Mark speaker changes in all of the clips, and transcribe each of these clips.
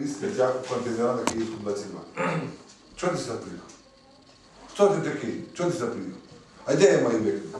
Speaker 1: віз сміття в контейнера на Київську 22. Чого ти сюди приїхав? Хто ти такий? Чого ти сюди приїхав? А де я маю викинути?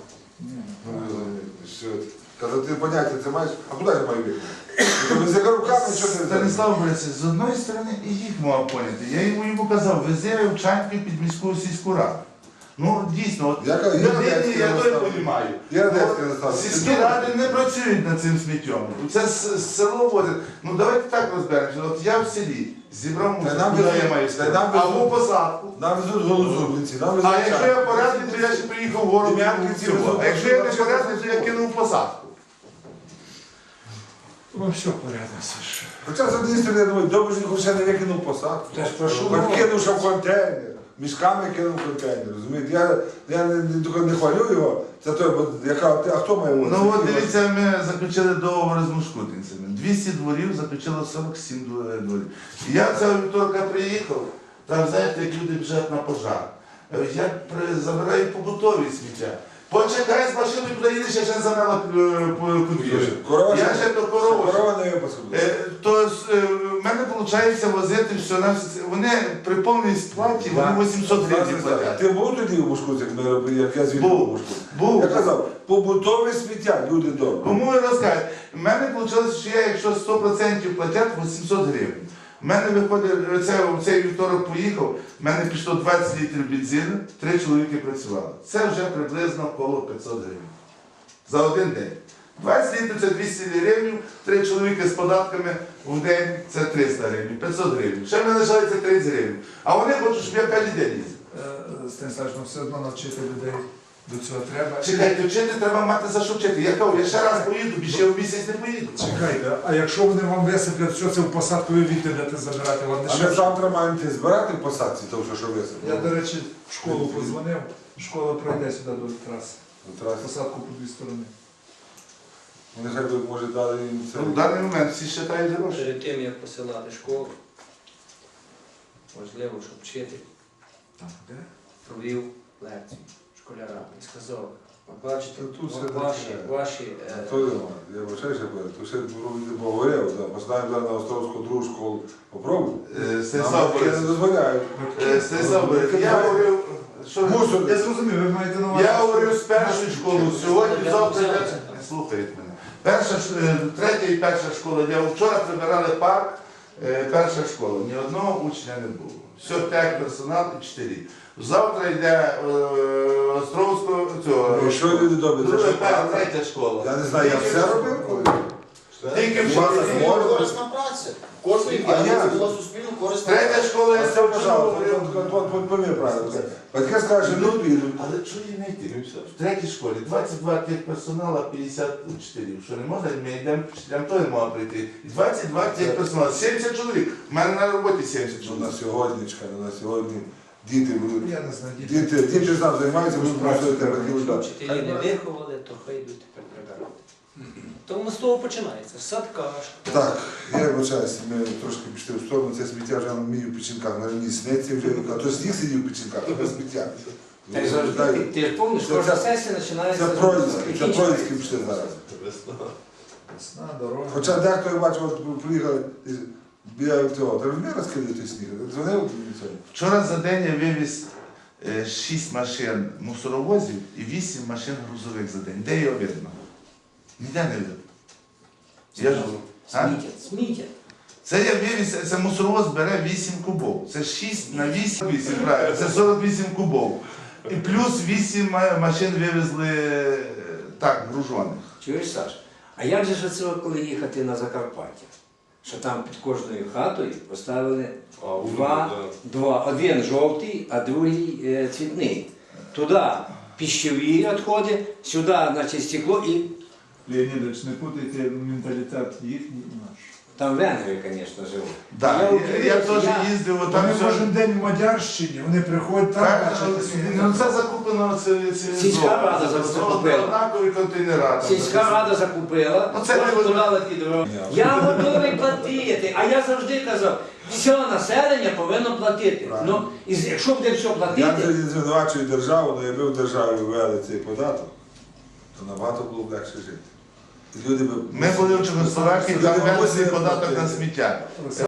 Speaker 1: Казав, ти поняття це маєш, а куди я маю викинути? За руками, що ти?
Speaker 2: Станіслав Борисович, з одної сторони і їх можна поняти. Я йому казав, вези Вовчанки під міську сільську раду. Ну, дійсно, от людині я той розумію. Сільські ради не працюють над цим сміттям. Це село возить. Ну, давайте так розберемося. От я в селі зібрав мусор, куди я маю ставити? А в посадку.
Speaker 1: Нам везуть голозубниці, нам везуть.
Speaker 2: А якщо я порядний, то я ще приїхав в город. А якщо я не порядний, то я кинув посадку.
Speaker 3: Ну все порядно, Саша.
Speaker 1: Хоча з однієї сторони, я думаю, добре, що ще не викинув посадку.
Speaker 3: Та ж прошу.
Speaker 1: Хоч кинув ще в контейнер. Мішками кинув в контейнер, розумієте? Я не хвалю його, це той, бо яка, а хто має вулиці?
Speaker 2: Ну от дивіться, ми заключили договор з мушкутинцями. 200 дворів заключило 47 дворів. І я цього вівторка приїхав, там, знаєте, як люди біжать на пожар. Я забираю побутові сміття. Почекай з машиною, куди їдеш, я ще не замела подвір'я. Я ще до корови.
Speaker 1: Корова не випуску.
Speaker 2: То в мене виходить возити все. Вони при повній сплаті, вони 800 гривень платять.
Speaker 1: Ти був тоді у Бушкуці, як я звідти був у Бушкуці?
Speaker 2: Був.
Speaker 1: Я казав, побутове сміття, люди добрі.
Speaker 2: Кому ви розкажете? В мене вийшло, що я, якщо 100% платять, 800 гривень. У мене виходить, цей вівторок поїхав, в мене пішло 20 літрів бензину, 3 чоловіки працювали. Це вже приблизно коло 500 гривень. За один день. 20 літрів це 200 гривень, 3 чоловіки з податками в день це 300 гривень, 500 гривень. Ще в мене лишається 30 гривень. А вони хочуть, щоб я кожен день їздив.
Speaker 3: Станіславович, ну все одно навчити людей до цього треба.
Speaker 2: Чекайте, вчити треба мати за що вчити. Я кажу, я ще раз поїду, більше в місяць не поїду.
Speaker 3: Чекайте, а якщо вони вам висиплять, що це в посадку ви віддадете забирати? Вам
Speaker 1: А ми завтра маємо збирати в посадці, тому що висипали.
Speaker 3: Я, до речі, в школу подзвонив, школа пройде сюди до траси. Посадку по дві сторони.
Speaker 1: Нехай би, може, дали їм це.
Speaker 2: В даний момент всі вважають гроші.
Speaker 4: Перед тим, як посилати школу, важливо, щоб вчитель провів лекцію школярам і сказав, от бачите,
Speaker 1: Тут все
Speaker 4: ваші
Speaker 1: Я вважаю, що тут ще поговорив, поставимо зараз на Островську другу школу. Попробуй.
Speaker 2: Станіслав
Speaker 1: Я не дозволяю.
Speaker 2: Станіслав Борисович, я говорив, що
Speaker 3: Я зрозумів, ви маєте на увазі.
Speaker 2: я говорив з першої школи, сьогодні, завтра, слухають мене. Третя і перша школа, я вчора прибирали парк, перша школа, ні одного учня не було. Все, персонал і 4. Завтра йде Островського,
Speaker 1: І що люди добрі? Це що,
Speaker 2: третя школа.
Speaker 1: Я не знаю, я все робив коли.
Speaker 2: Тільки
Speaker 1: Маса
Speaker 2: вчора.
Speaker 1: можна.
Speaker 5: Корисна праця. Кожної
Speaker 1: А я?
Speaker 5: п'ятниці була суспільно корисна
Speaker 2: Третя
Speaker 5: праця.
Speaker 2: школа, я
Speaker 1: Це,
Speaker 2: це
Speaker 1: пожалуйста, помір правильно. Батьки скажуть, що не підуть.
Speaker 2: Але що їм не йти? В третій школі 22 техперсонала, 54. Що не можна, ми йдемо, вчителям то не можна прийти. І 22 техперсонала, 70 чоловік. У мене на роботі 70
Speaker 1: На
Speaker 2: чоловік.
Speaker 1: сьогодні, на сьогодні діти будуть.
Speaker 3: Я не знаю,
Speaker 1: Діти ж там займаються, будуть працювати батьки видати.
Speaker 4: вчителі не виховали, то хай йдуть тепер прибирати. Тому з того починається. Садка, школа.
Speaker 1: Так, я вибачаюся, ми трошки пішли в сторону, це сміття вже на мій в печінках, на мені снеться вже, а то сніг сидів в печінках, а то сміття.
Speaker 4: Ти ж пам'ятаєш, кожна сесія починається
Speaker 1: Це Троїцькі пішли зараз.
Speaker 3: весна, дорога.
Speaker 1: Хоча дехто, я бачив, от приїхали біля цього, ти розумієш, розкидає той сніг? Дзвонив сьогодні?
Speaker 2: Вчора за день я вивіз 6 машин мусоровозів і 8 машин грузових за день. Де його видно? Ніде не видно. Я ж- А?
Speaker 4: Сміття.
Speaker 2: Це я вивіз, це мусоровоз бере 8 кубов. Це 6 на 8, правильно, це 48 кубов. І плюс 8 машин вивезли так, гружених.
Speaker 6: Чуєш, Саш? А як же ж це, коли їхати на Закарпаття? Що там під кожною хатою поставили один жовтий, а другий цвітний. Туди пищові відходи, сюди, значить, стекло і
Speaker 3: Леонідович, не путайте менталітет їхній і наш.
Speaker 6: там венгри, звісно, живуть.
Speaker 2: Да, я теж їздив, там
Speaker 3: Вони
Speaker 2: все.
Speaker 3: кожен день в Мадярщині, вони приходять там, бачать
Speaker 2: Ну це закуплено
Speaker 6: Сільська рада закупила.
Speaker 2: Однакові контейнера. там
Speaker 6: Сільська рада закупила,
Speaker 2: Ну, це не
Speaker 6: кожен
Speaker 2: важливо.
Speaker 6: подала ті дороги. Я готовий платити, а я завжди казав, все населення повинно платити.
Speaker 1: Правильно.
Speaker 6: Ну, і якщо буде все
Speaker 1: Я
Speaker 6: платити,
Speaker 1: не звинувачую державу, але якби в державі ввели цей податок, то набагато було б легше жити. І люди б...
Speaker 2: Ми були в Чехословакії, там
Speaker 1: Люди
Speaker 2: ввели
Speaker 1: мусили
Speaker 2: податок на
Speaker 1: платити.
Speaker 2: сміття.